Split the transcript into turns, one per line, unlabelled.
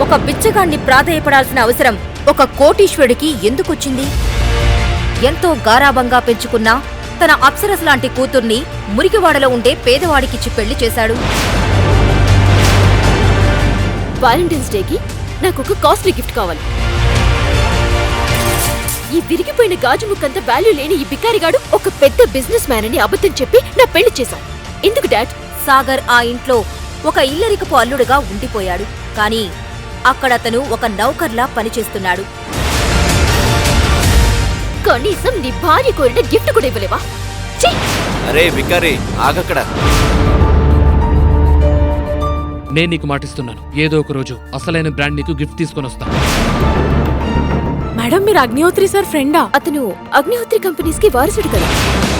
ఒక బిచ్చగాణ్ణి ప్రాధేయపడాల్సిన అవసరం ఒక కోటీశ్వరుడికి ఎందుకొచ్చింది? ఎంతో గారాబంగా పెంచుకున్న తన అప్సరస్ లాంటి కూతుర్ని మురికివాడలో ఉండే పేదవాడికిచ్చి పెళ్లి చేశాడు.
వాలంటైన్స్ డేకి నాకొక కాస్ట్లీ గిఫ్ట్ కావాలి. ఈ విరిగిపోయిన గాజు ముక్కంత వాల్యూ లేని ఈ బికారిగాడు ఒక పెద్ద బిజినెస్ మ్యాన్ అని అబద్ధం చెప్పి నా పెళ్లి చేశాం. ఎందుకు డాడ్?
సాగర్ ఆ ఇంట్లో ఒక ఇల్లరికపు అల్లుడుగా ఉండిపోయాడు. కానీ అక్కడతను ఒక నౌకర్లా పనిచేస్తున్నాడు.
కనీసం నీ భార్య కోరిన గిఫ్ట్ కూడా ఇవ్వలేవా?
అరే బికారి, ఆగక్కడ.
నేను నీకు మాటిస్తున్నాను, ఏదో ఒక రోజు అసలైన బ్రాండ్ నీకు గిఫ్ట్ తీసుకొని వస్తాను.
మేడం, మీరు అగ్నిహోత్రి సార్ ఫ్రెండా?
అతను అగ్నిహోత్రి కంపెనీస్ కి వారసుడు కదా.